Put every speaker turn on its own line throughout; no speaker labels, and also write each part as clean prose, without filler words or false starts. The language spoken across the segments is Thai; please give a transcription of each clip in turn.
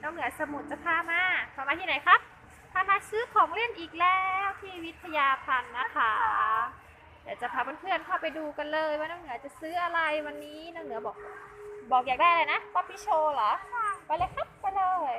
น้องเหนือสมุทรจะพามาที่ไหนครับพามาซื้อของเล่นอีกแล้วที่วิทยาพันธ์นะคะเดี๋ยวจะพาเพื่อนๆเข้าไปดูกันเลยว่าน้องเหนือจะซื้ออะไรวันนี้น้องเหนือบอกอยากได้อะไรนะป๊อปปี้โชว์เหรอไปเลยครับไปเลย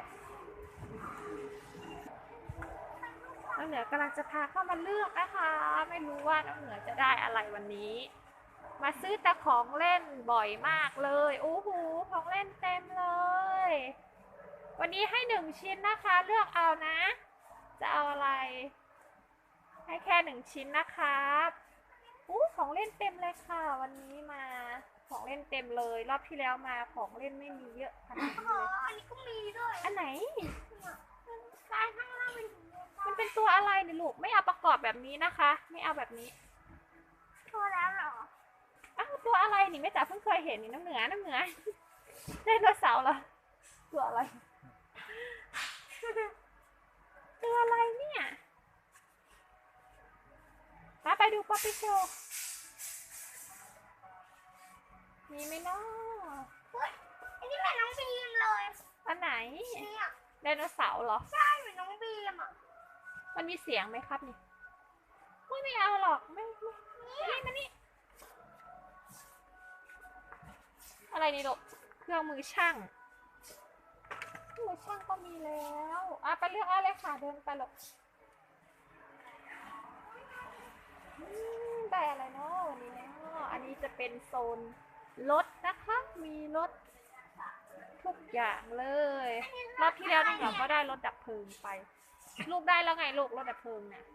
น้องเหนือกำลังจะพาเข้ามาเลือกนะคะไม่รู้ว่าน้องเหนือจะได้อะไรวันนี้มาซื้อแต่ของเล่นบ่อยมากเลยโอ้โหของเล่นเต็มเลยวันนี้ให้1 ชิ้นนะคะเลือกเอานะจะเอาอะไรให้แค่1 ชิ้นนะครับของเล่นเต็มเลยค่ะวันนี้มาของเล่นเต็มเลยรอบที่แล้วมาของเล่นไม่มีเยอะขนาดนี้เลย
อันนี้ก็มีด้วย
อันไหน
ลายข้างล่าง
มันเป็นตัวอะไรเนี่ยลูกไม่เอาประกอบแบบนี้นะคะไม่เอาแบบนี้
ตัวแล้วเหรอ
อ้าวตัวอะไรนี่แม่จ๋าเพิ่งเคยเห็นนี่น้ำเหนือไดโนเสาร์เหรอตัวอะไรตัวอะไรเนี่ยมาไปดูป๊อปปี้โชว์มีไหมเนาะ
อันนี้เหมือนน้องบีมเลย
อันไหน
เนี่ย
ไดโนเสาร์เหรอ
ใช่เหมือนน้องบีมอ่ะ
มันมีเสียงไหมครับนี่ไม่เอาหรอกไม่มานี่อะไรนี่ลูกเครื่องมือช่างก็มีแล้วไปเลือกเอาเลยค่ะเดินไปหรอกได้อะไรเนาะวันนี้เนาะอันนี้จะเป็นโซนรถนะคะมีรถทุกอย่างเลยรอบที่แล้วน้องเหนือก็ได้รถดับเพลิงไปลูกได้แล้วไงลูกรถดับเพลิงเนี่ย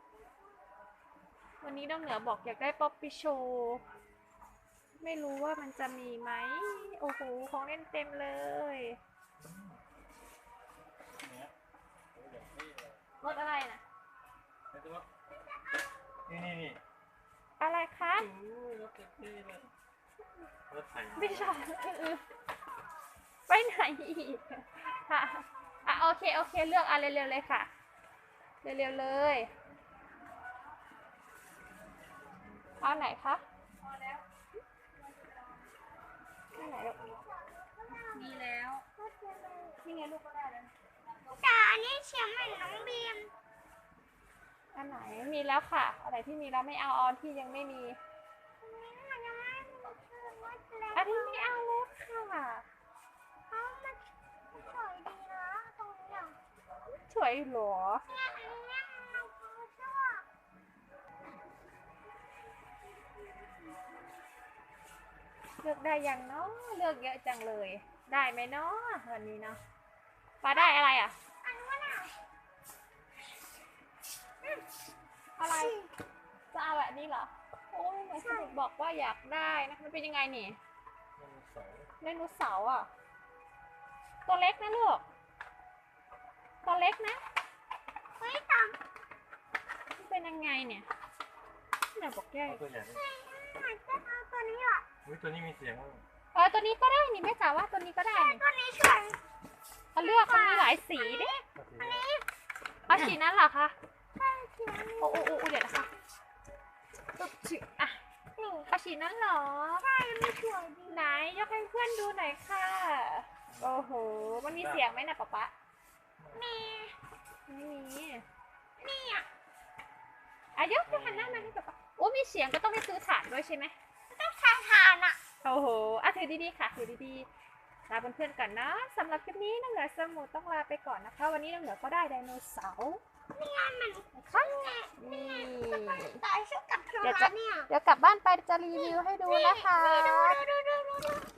วันนี้น้องเหนือบอกอยากได้ป๊อปปี้โชว์ไม่รู้ว่ามันจะมีไหมโอ้โหของเล่นเต็มเลยรถอะไรนะ
นี่
อะไรคะ
รถเลยรถไถ
ไม่ใช่ไปไหนอีกค่ะโอเคเลือกเร็วๆเลยค่ะเร็วๆเลยเอาไหนคะไหนลูกมีแล้วนี่ไงลูกก็ได้แล้ว
แต่อันนี้เสียงเหมือนน้องบีม
อันไหนมีแล้วค่ะอะไรที่มีแล้วไม่เอาออนที่ยังไม่มีอันนี้ไม่เอาแล้วค่ะ
มันสวยดีนะตรงนี้
สวยหรอ
เนี่ยอันนี้มันชอบ
เลือกได้ยังเนาะเลือกเยอะจังเลยได้ไหมเนาะวันนี้เนาะป้าได้อะไรอ่ะ
อันนี้น่ะ
อะไรจะเอาแบบนี้เหรอโอ้ยเหมือนสนุกบอกว่าอยากได้นะมันเป็นยังไงนี่ไดโนเสาร์อ่ะตัวเล็กนะลูกตัวเล็กนะ
เฮ้ยตาม
มันเป็นยังไงเนี่ยเนี่ยบอกแย่
ตัวใหญ่
จะเอาตัวนี้อ่ะ
ตัวนี้มีเสียง
ตัวนี้ก็ได้นี่แม่จ๋าว่าตัวนี้ก็ได้
ตัวนี้สวย
เขาเลือกมันมีหลายสีดิ
อันนี้
เอาสีนั้นเหรอคะ
ใช่สีนั้น
โอ้เดี๋ยวนะคะเอาสีนั้นเหรอ
ใช่ไม่สวยดี
ไหนยกให้เพื่อนดูหน่อยค่ะโอ้โหมันมีเสียงไหมนะป๊า
มี
ไม่มี
นี่อ่ะ
ยกไปหันหน้ามาให้ป๊ามีเสียงก็ต้องไปซื้อถ่านด้วยใช่ไหม
ต้องใช้ทานอ่ะ
โอ้โหถือดีๆค่ะถือดีๆลาเพื่อนๆก่อนนะสำหรับคลิปนี้น้องเหนือสมุทรต้องลาไปก่อนนะคะวันนี้น้องเหนือก็ได้ไดโนเสาร์
นี่ไงมัน
ค่ะ
นี่ตายชุดกับเธอเนี่ย
เดี๋ยวกลับบ้านไปจะรีวิวให้ดูนะคะ
ดู